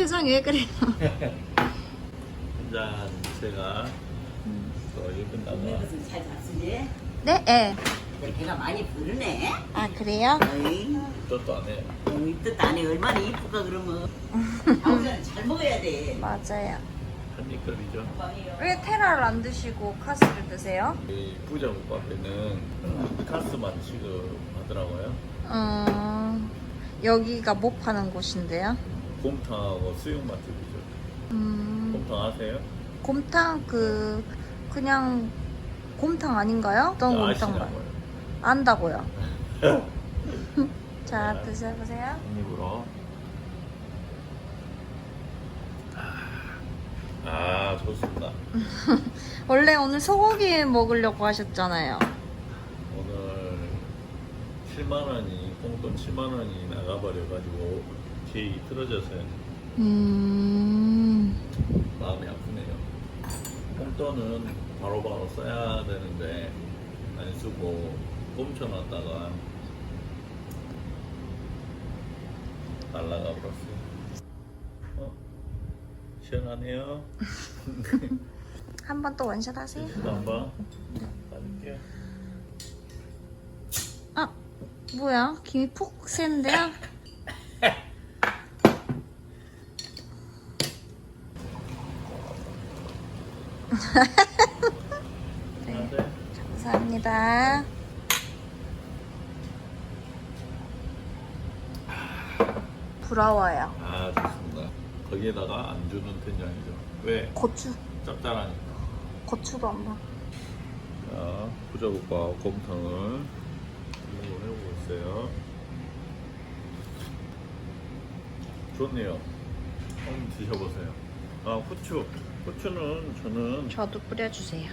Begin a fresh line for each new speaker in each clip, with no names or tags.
표정이 왜 그래요?
짠, 제가 또 이거 끝나고
오늘은 잘 잤으니?
네, 예.
배가 많이 부르네.
아, 그래요?
어이,
뜻도 안 해요.
이 뜻 안에 얼마나 이쁠까 그러면. 아우자는 잘 먹어야 돼.
맞아요.
한입거리죠.
왜 테라를 안 드시고 카스를 드세요?
이 부자국밥에는 카스만 취급하더라고요.
여기가 뭐 파는 곳인데요?
곰탕하고 수육 맛집이죠. 곰탕 아세요?
곰탕 그냥 곰탕 아닌가요? 어떤 곰탕 말?
아시냐고요?
안다고요. 자, 드셔보세요.
한입으로. 아, 좋습니다.
원래 오늘 소고기 먹으려고 하셨잖아요.
오늘 7만 원이 공돈 7만 원이 나가버려가지고 계획이 틀어져서요. 마음이 아프네요. 공돈은 바로바로 써야 되는데 안 쓰고 꼼쳐놨다가 날라가 버렸어요. 시원하네요.
한 번 또 원샷 하세요.
한번 받을게요.
아, 뭐야? 김이 푹 새는데요?
네.
감사합니다. 부러워요.
아, 좋습니다. 거기에다가 안 주는 된장이죠. 왜?
고추,
짭짤하니까.
고추도 안 봐.
자, 부자국밥 곰탕을 해보고 있어요. 좋네요. 한번 드셔보세요. 아, 후추는 저는
저도 뿌려주세요.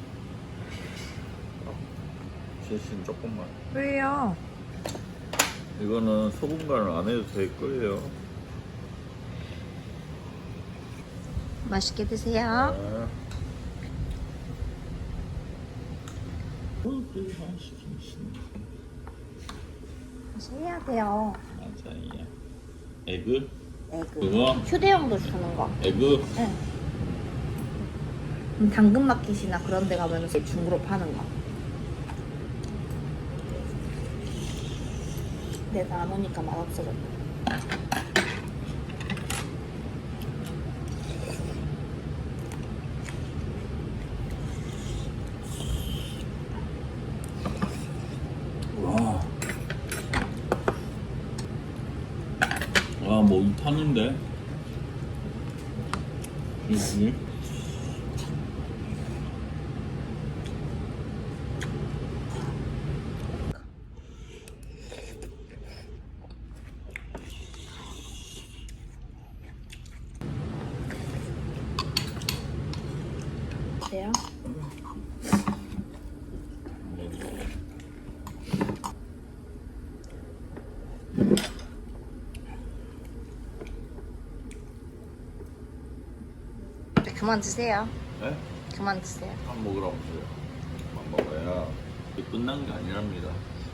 대신 조금만.
왜요?
이거는 소금 간을 안 해도 될 거예요.
맛있게 드세요.
네.
해야 돼요.
맞아요. 에그?
에그.
그거?
휴대용도 주는 거.
에그?
응. 당근마켓이나 그런 데 가면 중고로 파는 거. 내가 안 오니까 맛없어졌네.
와. 아, 목이 타는데? 여기?
어때요? 그만 드세요.
네?
그만 드세요.
밥 먹으라면서요. 밥 먹어야 이게 끝난 게 아니랍니다.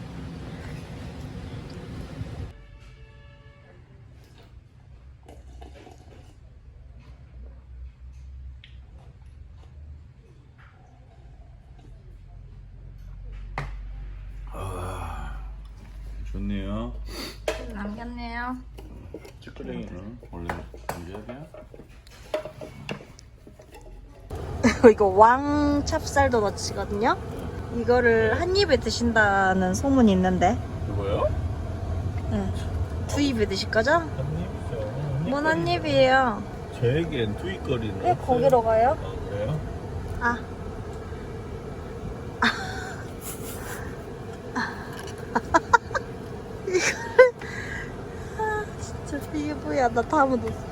아, 좋네요.
남겼네요.
찌끄레기는 원래 남겨야 돼요?
이거 왕 찹쌀 도너츠거든요. 이거를 한 입에 드신다는 소문이 있는데.
이거요?
응. 두 입에 드실 거죠?
한 입이죠.
뭔 한 입이에요?
저에겐 투입거리는
왜 거기로 가요?
아, 그래요?
아. 이거를 아 진짜 이게 뭐야? 나 다 묻었어.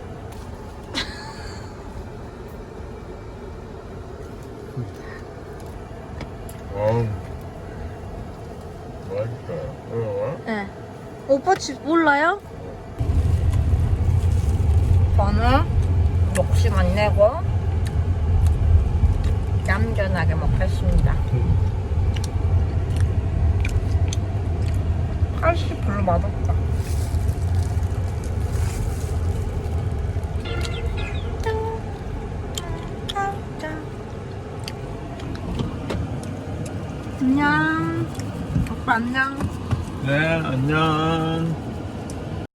맛있어요.
네. 오빠 집 몰라요? 저는 욕심 안 내고 얌전하게 먹겠습니다. 칼씨 별로 맛없다. 안녕. 오빠 안녕.
네, 안녕.